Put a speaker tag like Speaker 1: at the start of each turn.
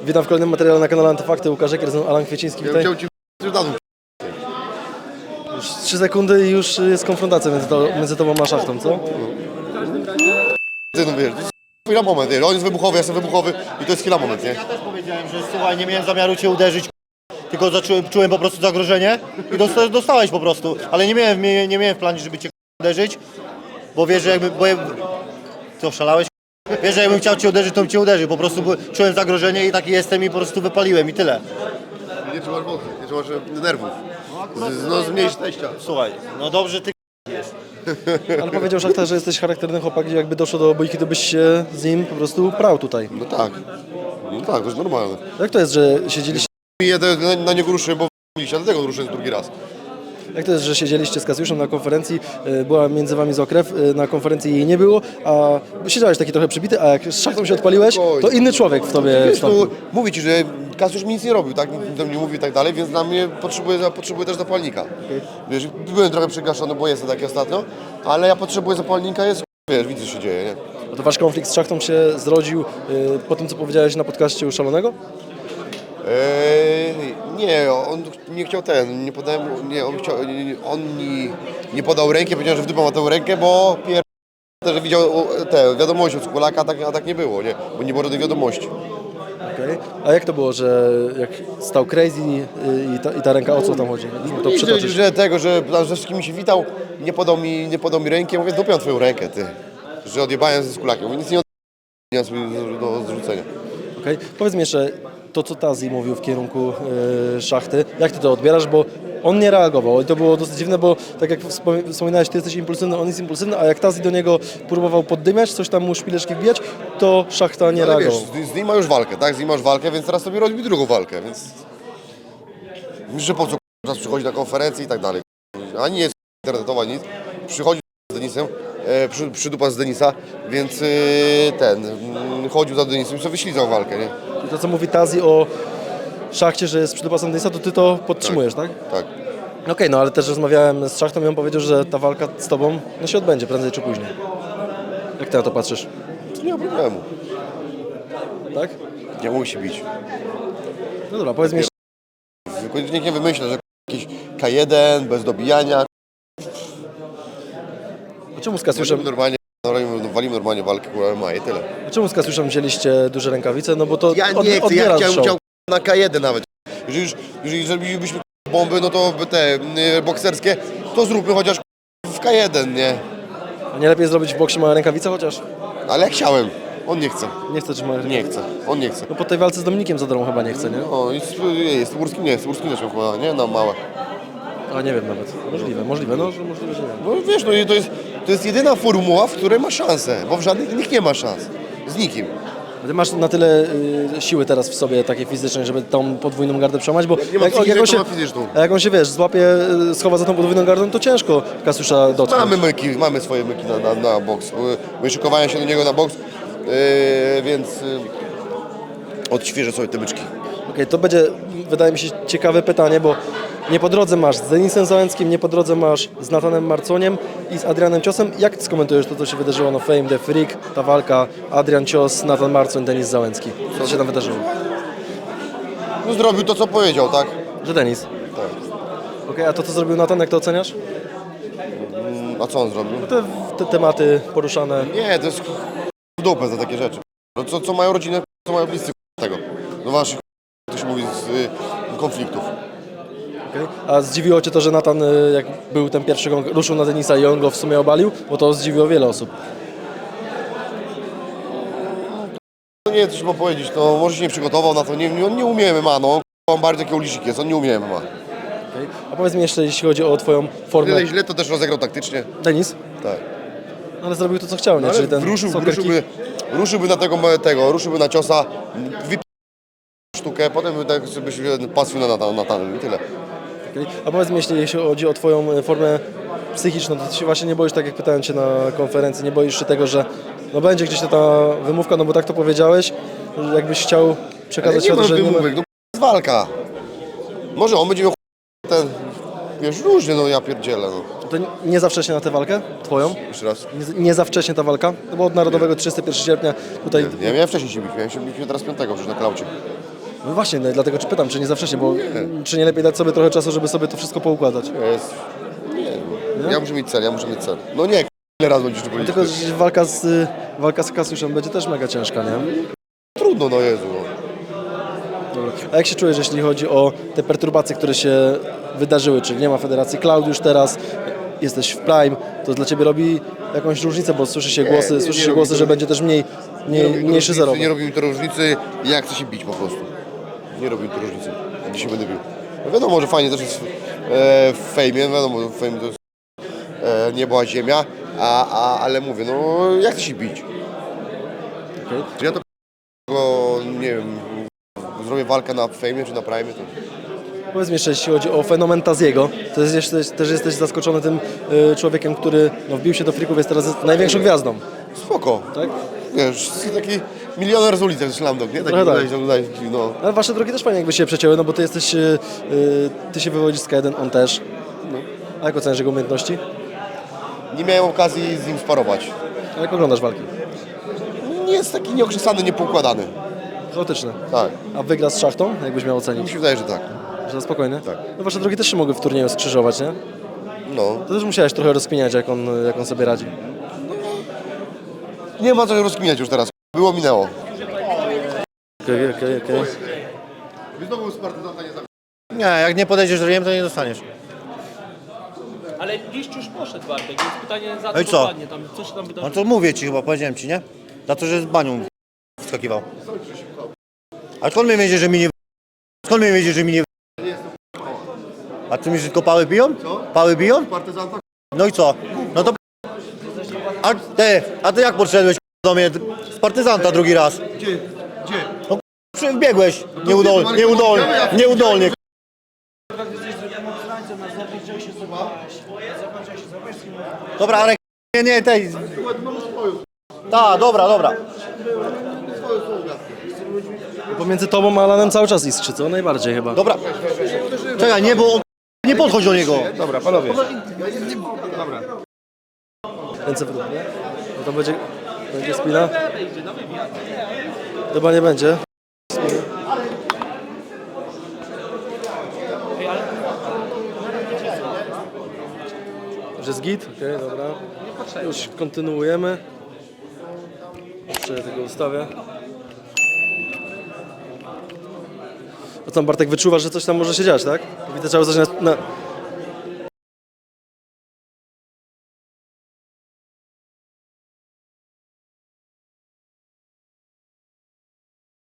Speaker 1: Witam w kolejnym materiale na kanale Antyfakty. Łukasz Eker, Alan Kwieciński. Witaj.
Speaker 2: Chciał ci dadzą.
Speaker 1: Już 3 sekundy i już jest konfrontacja między tobą a Szachtą, co?
Speaker 2: Ty no wiesz, to jest chwila moment, wiesz, on jest wybuchowy, ja jestem wybuchowy i to jest chwila moment, nie?
Speaker 3: Ja też powiedziałem, że słuchaj, nie miałem zamiaru cię uderzyć, tylko czułem po prostu zagrożenie i dostałeś po prostu, ale nie miałem w planie, żeby cię uderzyć, bo wiesz, że jakby... Ty oszalałeś? Wiesz, że jakbym chciał cię uderzyć, to bym cię uderzył, po prostu czułem zagrożenie i taki jestem i po prostu wypaliłem i tyle.
Speaker 2: Nie trzymasz mocy, nie trzymasz nerwów. No zmniejsz teścia.
Speaker 3: Słuchaj, no dobrze ty
Speaker 1: Ale powiedział Szachta, że jesteś charakterny chłopak i jakby doszło do bójki, to byś się z nim po prostu prał tutaj.
Speaker 2: No tak, to jest normalne.
Speaker 1: Jak to jest, że siedzieliście...
Speaker 2: Ja na niego ruszę, bo miliście, dlatego ruszę drugi raz.
Speaker 1: Jak to jest, że siedzieliście z Kasiuszem na konferencji, była między wami Zokrew, na konferencji jej nie było, a siedziałeś taki trochę przybity, a jak z Szachtą się odpaliłeś, to inny człowiek w tobie
Speaker 2: Wiesz,
Speaker 1: wstąpił.
Speaker 2: no, mówię ci, że Kasiusz mi nic nie robił, tak? Nic do mnie mówił i tak dalej, więc dla mnie potrzebuję też zapalnika. Wiesz, byłem trochę przygaszony, bo jestem taki ostatnio, ale ja potrzebuję zapalnika, wiesz, widzę, co się dzieje, nie?
Speaker 1: A to wasz konflikt z Szachtą się zrodził po tym, co powiedziałeś na podcaście u Szalonego?
Speaker 2: Nie, on nie chciał nie podałem, nie, on nie podał ręki, powiedział, że w dupę ma tę rękę, bo że widział te wiadomości od Kulaka, a tak nie było, nie, bo nie było żadnej wiadomości.
Speaker 1: Okay. A jak to było, że jak stał Crazy i ta ręka, o co tam chodzi? To
Speaker 2: I
Speaker 1: przytoczysz.
Speaker 2: że ze wszystkimi się witał, nie podał mi ręki, ja mówię, dopiął twoją rękę, ty, że odjebałem ze Kulakiem, mówię, nic nie mam sobie do zrzucenia.
Speaker 1: Okay. Powiedz mi jeszcze, to co Tazi mówił w kierunku Szachty, jak ty to odbierasz, bo on nie reagował i to było dosyć dziwne, bo tak jak wspominałeś, ty jesteś impulsywny, on jest impulsywny, a jak Tazi do niego próbował poddymiać, coś tam mu szpileczki wbijać, to Szachta nie reagował.
Speaker 2: Wiesz, z nim ma już walkę, tak, z nim masz walkę, więc teraz sobie robi drugą walkę, więc... Myślę, że po co czas przychodzi na konferencję i tak dalej. Ani nie jest internetowa, nic. Przychodzi z Denisem, przydupa z Denisa, więc chodził za Denisem i sobie wyślizał walkę, nie?
Speaker 1: I to co mówi Tazi o Szachcie, że jest przydupasem Denisa, to ty to podtrzymujesz, tak?
Speaker 2: Tak.
Speaker 1: Okej, no ale też rozmawiałem z Szachtą i on powiedział, że ta walka z tobą się odbędzie prędzej czy później. Jak ty na to patrzysz?
Speaker 2: Nie ma problemu.
Speaker 1: Tak?
Speaker 2: Nie musi bić.
Speaker 1: No dobra, powiedz mi jeszcze,
Speaker 2: Nikt nie wymyśla, że jakiś K1 bez dobijania.
Speaker 1: a czemu z Kasiuszem,
Speaker 2: Walimy normalnie walkę, kurwa, ma i tyle.
Speaker 1: czemu z Kasiuszem wzięliście duże rękawice? No bo to
Speaker 2: Ja nie chcę, ja
Speaker 1: odbiera show.
Speaker 2: chciał na K1 nawet. Jeżeli zrobilibyśmy bomby, no to te bokserskie, to zróbmy chociaż w K1, nie?
Speaker 1: A nie lepiej zrobić w boksie małe rękawice chociaż?
Speaker 2: Ale ja chciałem. On nie chce.
Speaker 1: Nie chcę trzymać.
Speaker 2: Nie chce. On nie chce.
Speaker 1: No po tej walce z Dominikiem Zadorą chyba nie chce, nie?
Speaker 2: O, jest Łurskim nie, Łurskim też miał chyba, nie? No małe.
Speaker 1: A nie wiem nawet. Możliwe, no że możliwe, że nie.
Speaker 2: No wiesz, no i to jest jedyna formuła, w której ma szansę, bo w żadnych innych nie ma szans. Z nikim.
Speaker 1: Ty masz na tyle siły teraz w sobie takiej fizycznej, żeby tą podwójną gardę przełamać, bo
Speaker 2: Nie ma fizyczną,
Speaker 1: on się,
Speaker 2: ma fizyczną.
Speaker 1: a jak on się, wiesz, złapie, schowa za tą podwójną gardą, to ciężko Kasiusza dotknąć.
Speaker 2: Mamy swoje myki na boks. Wyszykowałem się do niego na boks, więc odświeżę sobie te myczki.
Speaker 1: Okej, to będzie, wydaje mi się, ciekawe pytanie, bo nie po drodze masz z Denisem Załęckim, nie po drodze masz z Natanem Marconiem i z Adrianem Ciosem. Jak skomentujesz to, co się wydarzyło na Fame the Freak, ta walka Adrian Cios, Natan Marcoń, Denis Załęcki? Co się tam wydarzyło?
Speaker 2: No zrobił to, co powiedział, tak?
Speaker 1: Że Denis.
Speaker 2: Tak.
Speaker 1: Okej, a to, co zrobił Natan, jak to oceniasz?
Speaker 2: A co on zrobił?
Speaker 1: Te tematy poruszane.
Speaker 2: Nie, to jest w dupę za takie rzeczy. No co mają rodzinę, co mają bliscy tego. No waszych, to się mówi, z konfliktów.
Speaker 1: Okay. A zdziwiło cię to, że Natan, jak był ten pierwszy gong, ruszył na Denisa i on go w sumie obalił? Bo to zdziwiło wiele osób.
Speaker 2: No nie, coś mam powiedzieć, no może się nie przygotował na to, on nie umie MMA, no. On bardziej taki ulicznik jest, on nie umie MMA.
Speaker 1: Okay. A powiedz mi jeszcze, jeśli chodzi o twoją formę.
Speaker 2: Źle to też rozegrał taktycznie.
Speaker 1: Denis?
Speaker 2: Tak.
Speaker 1: No, ale zrobił to, co chciał, nie?
Speaker 2: Ale
Speaker 1: Czyli ten
Speaker 2: ruszyłby na ruszyłby na ciosa, sztukę, potem by tak sobie się pasł na Natanem i tyle.
Speaker 1: Okay. A powiedz mi, jeśli chodzi o twoją formę psychiczną, to ty się właśnie nie boisz, tak jak pytałem cię na konferencji, nie boisz się tego, że no będzie gdzieś ta wymówka, no bo tak to powiedziałeś, że jakbyś chciał przekazać światu, że
Speaker 2: wymówek, no jest walka. Może on będzie miał ten, wiesz, różnie, no ja pierdzielę, no.
Speaker 1: To nie za wcześnie na tę walkę twoją?
Speaker 2: Jeszcze raz.
Speaker 1: Nie za wcześnie ta walka? No bo od Narodowego 31 sierpnia tutaj...
Speaker 2: Ja miałem wcześniej się bić, miałem się bić teraz 5 przecież na klaucie.
Speaker 1: No właśnie, no, dlatego czy pytam, czy nie za wcześnie, bo czy nie lepiej dać sobie trochę czasu, żeby sobie to wszystko poukładać?
Speaker 2: Jest... Nie. Ja muszę mieć cel, No nie, ile razy będziesz tu powiedzieć?
Speaker 1: Tylko że walka z Kasiuszem będzie też mega ciężka, nie?
Speaker 2: Trudno, no Jezu. No.
Speaker 1: Dobra. A jak się czujesz, jeśli chodzi o te perturbacje, które się wydarzyły, czyli nie ma Federacji Klaudiusz teraz, jesteś w Prime, to dla Ciebie robi jakąś różnicę, bo słyszy się głosy, że będzie też mniejszy zarobek.
Speaker 2: Nie robi mi to różnicy, jak chcę się bić po prostu. Nie robi mi to różnicy, gdzie się będę bił. No wiadomo, że fajnie też jest w fejmie, wiadomo, w fejmie to jest nieba, ziemia, ale mówię, no jak chcę się bić.
Speaker 1: Okay.
Speaker 2: Czy ja to nie wiem, zrobię walkę na fejmie czy na prime, to...
Speaker 1: Powiedz mi jeszcze, jeśli chodzi o fenomen Taziego, to też jesteś zaskoczony tym człowiekiem, który wbił się do frików, jest teraz największą gwiazdą.
Speaker 2: Spoko.
Speaker 1: Tak?
Speaker 2: Wiesz, taki milioner z ulicy, Szlamdok, nie? Taki
Speaker 1: tak.
Speaker 2: no.
Speaker 1: Ale wasze drogi też fajnie jakby się przecięły, no bo ty jesteś, ty się wywodzisz z K1, on też. No. A jak oceniasz jego umiejętności?
Speaker 2: Nie miałem okazji z nim sparować.
Speaker 1: A jak oglądasz walki?
Speaker 2: Nie jest taki nieokrzesany, niepoukładany.
Speaker 1: Chaotyczny.
Speaker 2: Tak.
Speaker 1: A wygra z Szachtą, jakbyś miał
Speaker 2: Mi
Speaker 1: ocenić?
Speaker 2: się wydaje, że tak.
Speaker 1: Że na spokojnie?
Speaker 2: Tak.
Speaker 1: No wasze drogi też się mogły w turnieju skrzyżować, nie?
Speaker 2: No.
Speaker 1: To też musiałeś trochę rozkminiać, jak on sobie radzi.
Speaker 2: Nie ma co rozkminiać już teraz. Było, minęło.
Speaker 1: Okej.
Speaker 2: Znowu z partyzanta nie zabił.
Speaker 3: Nie, jak nie podejdziesz do riem, to nie dostaniesz.
Speaker 4: Ale liść już poszedł, Bartek, więc pytanie za
Speaker 3: No i
Speaker 4: co
Speaker 3: co?
Speaker 4: dokładnie tam, co się tam
Speaker 3: No
Speaker 4: wydarzyło?
Speaker 3: to mówię ci chyba, powiedziałem ci, nie? Za to, że z banią wskakiwał. A skąd mnie wiedziesz, że mi nie... Skąd mnie wiedziesz, że mi nie... A ty myślisz, że tylko pały biją? Pały biją?
Speaker 2: Partyzanta?
Speaker 3: No i co? No to... A ty jak podszedłeś do mnie z partyzanta drugi raz?
Speaker 2: Gdzie?
Speaker 3: No wbiegłeś nieudolnie. Dobra, ale nie, tej... Tak, dobra.
Speaker 1: Pomiędzy tobą a Alanem cały czas iskrzy, co? Najbardziej chyba.
Speaker 3: Dobra. Czekaj, nie, bo on... Nie podchodź do niego.
Speaker 2: Dobra, panowie.
Speaker 1: Ręce w dół, nie? No to będzie spina? Chyba nie będzie. Że jest git? Okej, dobra. Już kontynuujemy. Jeszcze tego ustawię. A tam Bartek wyczuwasz, że coś tam może się dziać, tak? Widzę, trzeba coś na